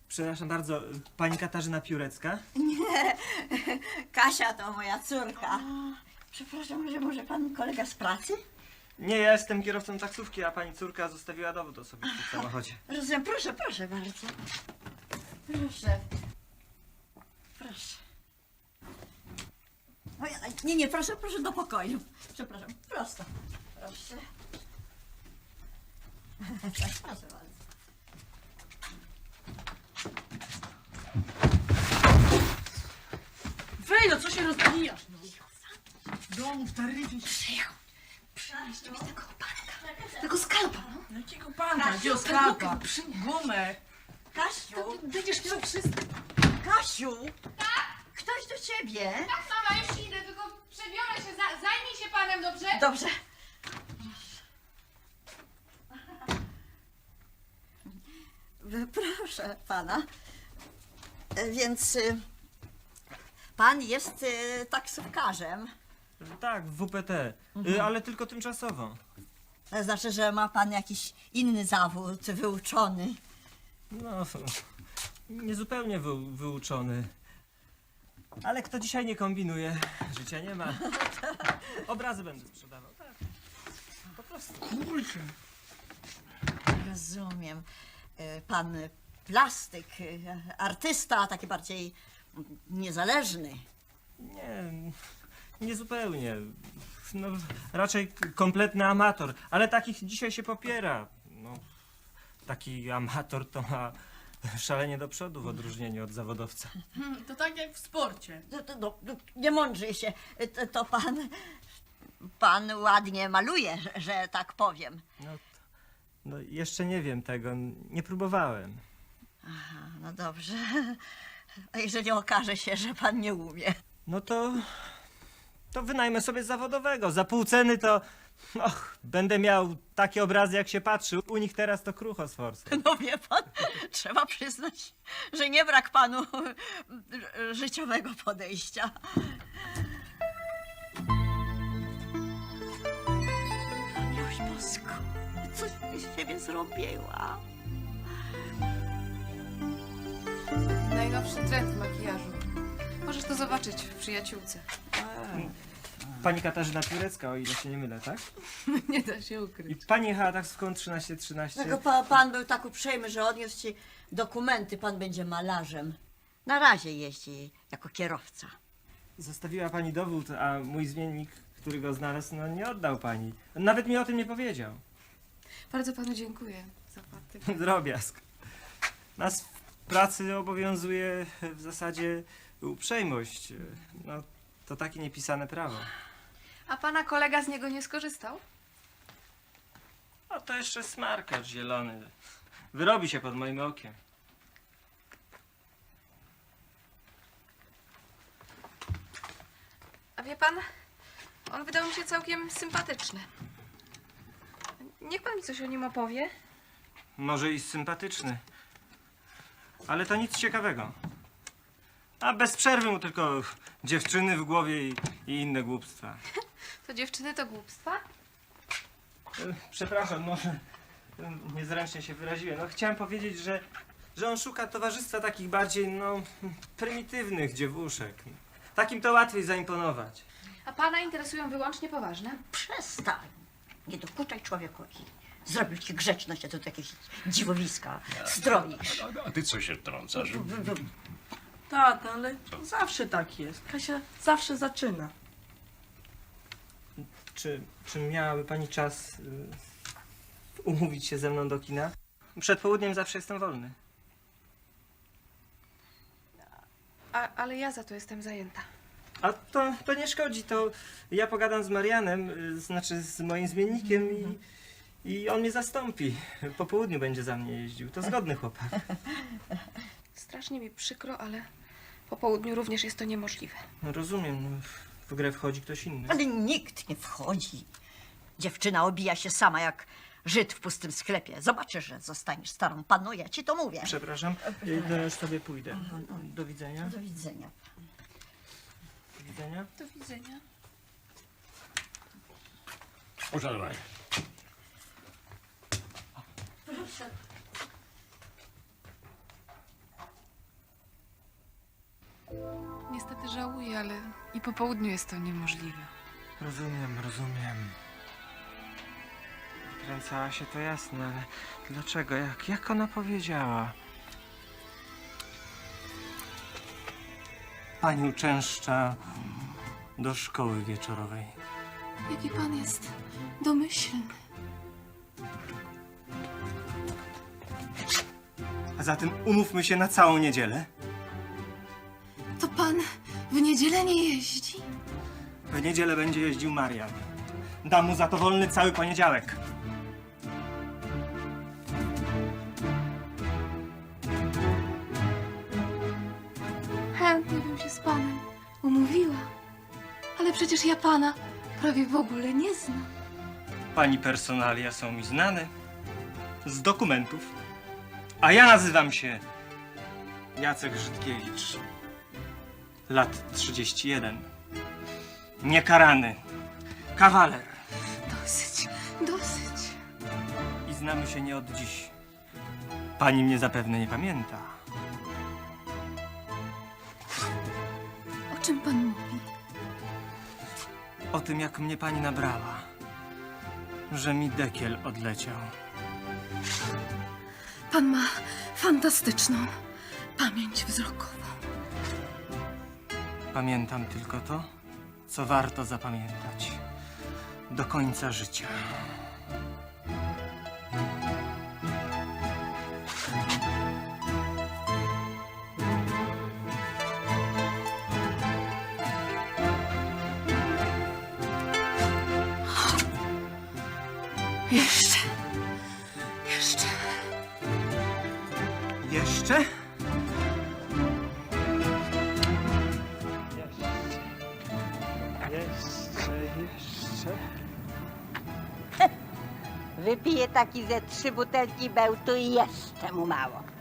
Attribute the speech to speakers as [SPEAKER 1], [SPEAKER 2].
[SPEAKER 1] Przepraszam bardzo, pani Katarzyna Piórecka?
[SPEAKER 2] Nie, Kasia to moja córka. Przepraszam, że może pan kolega z pracy?
[SPEAKER 1] Nie, ja jestem kierowcą taksówki, a pani córka zostawiła dowód osobisty w samochodzie.
[SPEAKER 2] Rozumiem, proszę, proszę bardzo. Proszę. Proszę. Oj, nie, proszę, proszę do pokoju. Przepraszam, prosto. Proszę. Proszę bardzo.
[SPEAKER 3] Wej, co się rozbijasz? No. Domu w taryfie.
[SPEAKER 2] Przynieść mi tego panka. Tego skalpa, no.
[SPEAKER 3] Jakiego panka? Gdzie skalpa? Gumę.
[SPEAKER 2] Kasiu,
[SPEAKER 3] Będziesz miał wszystko.
[SPEAKER 2] Kasiu. Tak? Ktoś do ciebie.
[SPEAKER 4] Tak, mama, już idę, tylko przebiorę się, zajmij się panem, dobrze?
[SPEAKER 2] Dobrze. Proszę pana. Więc pan jest taksówkarzem.
[SPEAKER 1] Tak, w WPT, ale tylko tymczasowo.
[SPEAKER 2] To znaczy, że ma pan jakiś inny zawód wyuczony.
[SPEAKER 1] No, niezupełnie wyuczony. Ale kto dzisiaj nie kombinuje, życia nie ma. Obrazy będę sprzedawał, tak. Po prostu.
[SPEAKER 3] Kurczę.
[SPEAKER 2] Rozumiem. Pan plastyk, artysta, taki bardziej niezależny.
[SPEAKER 1] Nie, niezupełnie. No, raczej kompletny amator, ale takich dzisiaj się popiera. No, taki amator to ma szalenie do przodu w odróżnieniu od zawodowca.
[SPEAKER 3] To tak jak w sporcie.
[SPEAKER 2] Nie mądrzyj się. Pan ładnie maluje, że tak powiem.
[SPEAKER 1] No, jeszcze nie wiem tego, nie próbowałem.
[SPEAKER 2] Aha, no dobrze. A jeżeli okaże się, że pan nie umie?
[SPEAKER 1] No to wynajmę sobie zawodowego. Za pół ceny to, będę miał takie obrazy, jak się patrzy. U nich teraz to krucho z forsą.
[SPEAKER 2] No wie pan, trzeba przyznać, że nie brak panu życiowego podejścia. Miłość Bosko, coś mi z siebie zrobiła.
[SPEAKER 4] Najnowszy trend w makijażu. Możesz to zobaczyć w przyjaciółce.
[SPEAKER 1] Pani Katarzyna Piórecka, o ile się nie mylę, tak?
[SPEAKER 4] Nie da się
[SPEAKER 1] I
[SPEAKER 4] ukryć.
[SPEAKER 1] pani jechała taksówką 1313.
[SPEAKER 2] Tylko pan był tak uprzejmy, że odniósł ci dokumenty, pan będzie malarzem. Na razie jeździ jako kierowca.
[SPEAKER 1] Zostawiła pani dowód, a mój zmiennik, który go znalazł, no nie oddał pani. Nawet mi o tym nie powiedział.
[SPEAKER 4] Bardzo panu dziękuję za patyk.
[SPEAKER 1] Drobiazg. Nas w pracy obowiązuje w zasadzie uprzejmość. No, to takie niepisane prawo.
[SPEAKER 4] A pana kolega z niego nie skorzystał?
[SPEAKER 1] A to jeszcze smarkacz zielony. Wyrobi się pod moim okiem.
[SPEAKER 4] A wie pan, on wydał mi się całkiem sympatyczny. Niech pan mi coś o nim opowie.
[SPEAKER 1] Może i sympatyczny. Ale to nic ciekawego. A bez przerwy mu tylko dziewczyny w głowie i inne głupstwa.
[SPEAKER 4] To dziewczyny to głupstwa?
[SPEAKER 1] Przepraszam, może niezręcznie się wyraziłem. No, chciałem powiedzieć, że on szuka towarzystwa takich bardziej, prymitywnych dziewuszek. Takim to łatwiej zaimponować.
[SPEAKER 4] A pana interesują wyłącznie poważne?
[SPEAKER 2] Przestań. Nie dokuczaj człowiekowi. Zrobił ci grzeczność, a tu jakieś dziwowiska stroisz.
[SPEAKER 5] A ty co się wtrącasz?
[SPEAKER 3] Tak, ale zawsze tak jest. Kasia zawsze zaczyna.
[SPEAKER 1] Czy miałaby pani czas umówić się ze mną do kina? Przed południem zawsze jestem wolny.
[SPEAKER 4] Ale ja za to jestem zajęta.
[SPEAKER 1] A to nie szkodzi, to ja pogadam z Marianem, znaczy z moim zmiennikiem i on mnie zastąpi. Po południu będzie za mnie jeździł. To zgodny chłopak.
[SPEAKER 4] Strasznie mi przykro, ale po południu również jest to niemożliwe.
[SPEAKER 1] No rozumiem, no, w grę wchodzi ktoś inny.
[SPEAKER 2] Ale nikt nie wchodzi. Dziewczyna obija się sama jak Żyd w pustym sklepie. Zobaczysz, że zostaniesz starą panną, ja ci to mówię.
[SPEAKER 1] Przepraszam, no już sobie pójdę. Do widzenia.
[SPEAKER 2] Do widzenia.
[SPEAKER 1] Do widzenia.
[SPEAKER 4] Do widzenia.
[SPEAKER 5] Uszanowanie.
[SPEAKER 2] Proszę.
[SPEAKER 6] Niestety żałuję, ale i po południu jest to niemożliwe.
[SPEAKER 1] Rozumiem. Kręcała się, to jasne, ale dlaczego? Jak ona powiedziała? Pani uczęszcza do szkoły wieczorowej.
[SPEAKER 6] Jaki pan jest domyślny.
[SPEAKER 1] A zatem umówmy się na całą niedzielę.
[SPEAKER 6] To pan w niedzielę nie jeździ?
[SPEAKER 1] W niedzielę będzie jeździł Marian. Dam mu za to wolny cały poniedziałek.
[SPEAKER 6] Chętnie bym się z panem umówiła. Ale przecież ja pana prawie w ogóle nie znam.
[SPEAKER 1] Pani personalia są mi znane z dokumentów. A ja nazywam się Jacek Żydkiewicz. Lat 31. Niekarany. Kawaler.
[SPEAKER 6] Dosyć.
[SPEAKER 1] I znamy się nie od dziś. Pani mnie zapewne nie pamięta.
[SPEAKER 6] O czym pan mówi?
[SPEAKER 1] O tym, jak mnie pani nabrała. Że mi dekiel odleciał.
[SPEAKER 6] Pan ma fantastyczną pamięć wzrokową.
[SPEAKER 1] Pamiętam tylko to, co warto zapamiętać. Do końca życia.
[SPEAKER 6] Jeszcze.
[SPEAKER 1] Jeszcze? Jeszcze.
[SPEAKER 7] Wypije taki ze 3 butelki bełtu i jeszcze mu mało.